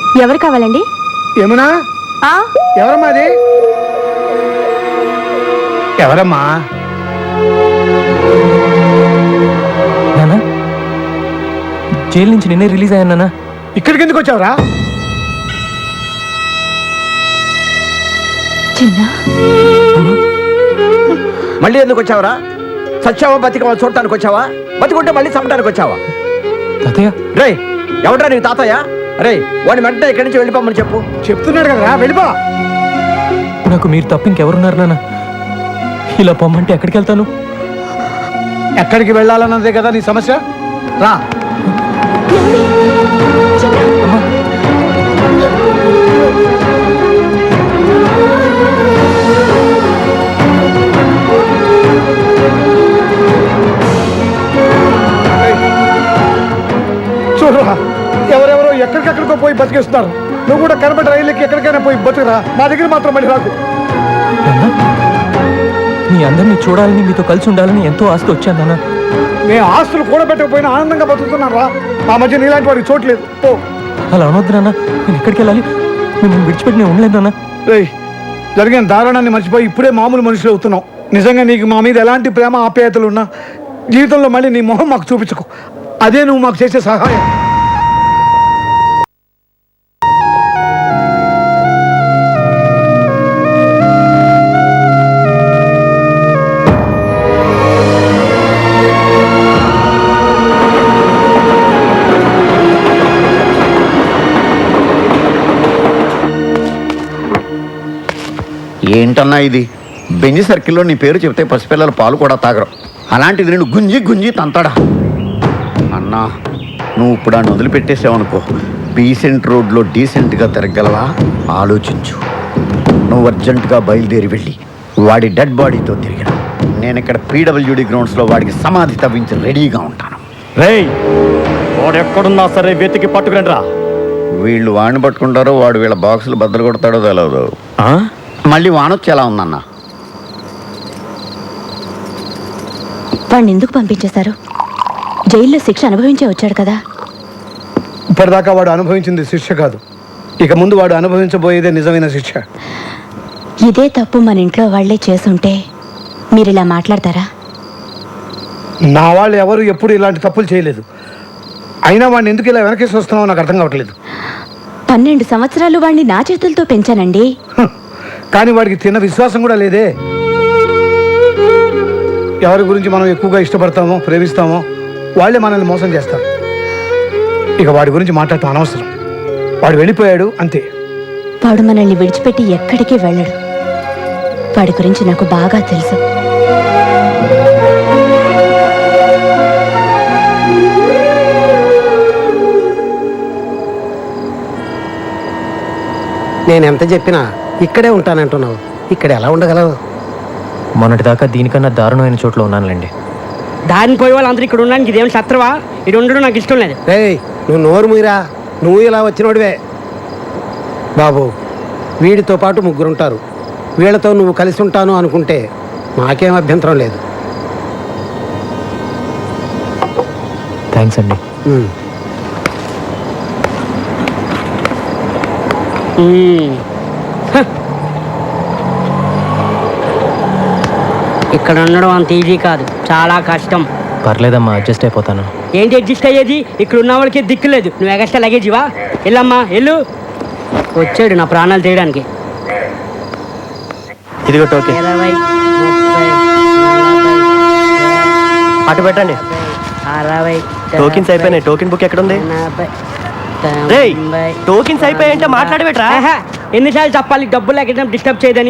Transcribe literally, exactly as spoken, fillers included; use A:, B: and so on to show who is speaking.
A: ఎవరు కావాలండి?
B: యమునా, ఎవరమ్మా అది? ఎవరమ్మా?
C: నానా, జైలు నుంచి నిన్నే రిలీజ్ అయ్యాను నానా.
B: ఇక్కడికి ఎందుకు వచ్చావురా?
A: చిన్న
D: మళ్ళీ ఎందుకు వచ్చావరా? సచ్చావా బతికవా చూడటానికి వచ్చావా? బతికుంటే మళ్ళీ చంపడానికి వచ్చావా?
C: తాతయ్య,
D: రే ఎవడ్రా నీ తాతయ్య? రే వాడిని వెంటనే ఇక్కడి నుంచి వెళ్ళిపోమని చెప్పు.
B: చెప్తున్నాడు కదరా, వెళ్ళిపో.
C: నాకు మీరు తప్ప ఇంకెవరున్నారు నాన్న? ఇలా పొమ్మంటే ఎక్కడికి వెళ్తాను?
B: ఎక్కడికి వెళ్ళాలన్నదే కదా నీ సమస్య. రా. చూడరా, ఎవరెవరో ఎక్కడికెక్కడికో పోయి బతికేస్తున్నారు. నువ్వు కూడా కనబడి రైలుకి ఎక్కడికైనా పోయి బతుకురా, మా దగ్గర మాత్రం మళ్ళీ రాకు.
C: మీ అందరినీ చూడాలని, మీతో కలిసి ఉండాలని ఎంతో ఆస్తి వచ్చాను నాన్న.
B: నేను ఆస్తులు కూడా పెట్టకపోయినా ఆనందంగా బతుకుతున్నాను రా. మా మధ్య నీలాంటి వాడికి చోట్లేదు. ఓ
C: అలా అనొద్దు నాన్న. నేను ఎక్కడికి వెళ్ళాలి? మిమ్మల్ని విడిచిపెట్టి నేను ఉండలేదు నాన్న.
B: రేయ్, జరిగిన దారుణాన్ని మర్చిపోయి ఇప్పుడే మామూలు మనుషులు అవుతున్నావు. నిజంగా నీకు మా మీద ఎలాంటి ప్రేమ ఆప్యాయతలు ఉన్నా జీవితంలో మళ్ళీ నీ మొహం మాకు చూపించుకో. అదే నువ్వు మాకు చేసే సహాయం.
D: ఏంటన్నా ఇది? బెంజి సర్కిల్లో నీ పేరు చెప్తే పసిపిల్లల పాలు కూడా తాగరు. అలాంటిది నేను గుంజి గుంజి తంతాడా? అన్నా, నువ్వు ఇప్పుడు ఆ నదులు పెట్టేసావనుకో, డీసెంట్ రోడ్లో డీసెంట్గా తిరగలవా? ఆలోచించు. నువ్వు అర్జెంటుగా బయలుదేరి వెళ్ళి వాడి డెడ్ బాడీతో తిరిగిన నేను ఇక్కడ పీడబ్ల్యూడి గ్రౌండ్స్లో వాడికి సమాధి తవ్వించి రెడీగా ఉంటాను.
E: రేయ్, వాడు ఎక్కడున్నా సరే వెతికి పట్టుకురండి రా.
D: వీళ్ళు వాడిని పట్టుకుంటారో వాడు వీళ్ళ బాక్సులు బద్దలు కొడతాడో తెలియదు. మళ్ళీ వానొచ్చి ఎలా ఉందన్నా?
A: వాడిని ఎందుకు పంపించేశారు? జైల్లో శిక్ష అనుభవించే వచ్చాడు కదా.
B: ఇప్పటిదాకా వాడు అనుభవించింది శిక్ష కాదు, ఇక ముందు వాడు అనుభవించబోయేదే నిజమైన శిక్ష.
A: ఇదే తప్పు మన ఇంట్లో వాళ్లే చేసుంటే మీరు ఇలా మాట్లాడతారా?
B: నా వాళ్ళు ఎవరు ఎప్పుడు ఇలాంటి తప్పులు చేయలేదు. అయినా వాడిని ఎందుకు ఇలా వెనకేసి వస్తున్నావో నాకు అర్థం కావట్లేదు.
A: పన్నెండు సంవత్సరాలు వాడిని నా చేతులతో పెంచానండి.
B: కానీ వాడికి తిన్న విశ్వాసం కూడా లేదే. ఎవరి గురించి మనం ఎక్కువగా ఇష్టపడతామో ప్రేమిస్తామో వాళ్ళే మనల్ని మోసం చేస్తారు. ఇక వాడి గురించి మాట్లాడటం అనవసరం. వాడు వెళ్ళిపోయాడు అంతే.
A: వాడు మనల్ని విడిచిపెట్టి ఎక్కడికి వెళ్ళడు. వాడి గురించి నాకు బాగా తెలుసు.
F: నేనెంత చెప్పినా ఇక్కడే ఉంటానంటున్నావు. ఇక్కడ ఎలా ఉండగలవు?
C: మొన్నటిదాకా దీనికన్నా దారుణమైన చోట్ల ఉన్నానులేండి.
G: దారిని పోయే వాళ్ళు అందరూ ఇక్కడ ఉండడానికి ఇదేమి శత్రువా? ఇది ఉండడం నాకు ఇష్టం లేదు.
F: రేయ్, నువ్వు నోరు మూయరా. నువ్వు ఇలా వచ్చినోడివే. బాబు, వీడితో పాటు ముగ్గురుంటారు. వీళ్ళతో నువ్వు కలిసి ఉంటాను అనుకుంటే నాకేం అభ్యంతరం లేదు.
C: థ్యాంక్స్ అండి.
F: ఉమ్.
G: ఇక్కడ ఉండడం అంత ఈజీ కాదు, చాలా కష్టం.
C: పర్లేదమ్మా, అడ్జస్ట్ అయిపోతాను.
G: ఏంటి అడ్జస్ట్ అయ్యేది? ఇక్కడ ఉన్న వాళ్ళకి దిక్కు లేదు. నువ్వు ఎగస్ట్రా లగేజివా? వెళ్ళమ్మా వెళ్ళు. వచ్చాడు నా ప్రాణాలు తీయడానికి.
E: ఇదిగో టోకెన్.
G: ఇరవై, ముప్పై,
E: అటు పెట్టండి.
G: అరవై.
E: టోకెన్స్ అయిపోయినాయి. టోకెన్ బుక్ ఎక్కడ ఉంది? రేయ్, టోకెన్స్ అయిపోయాయంటే మాట్లాడబెట్రా.
G: ఎన్నిసార్లు చెప్పాలి డబ్బులు ఎక్కడ డిస్టర్బ్ చేయదని?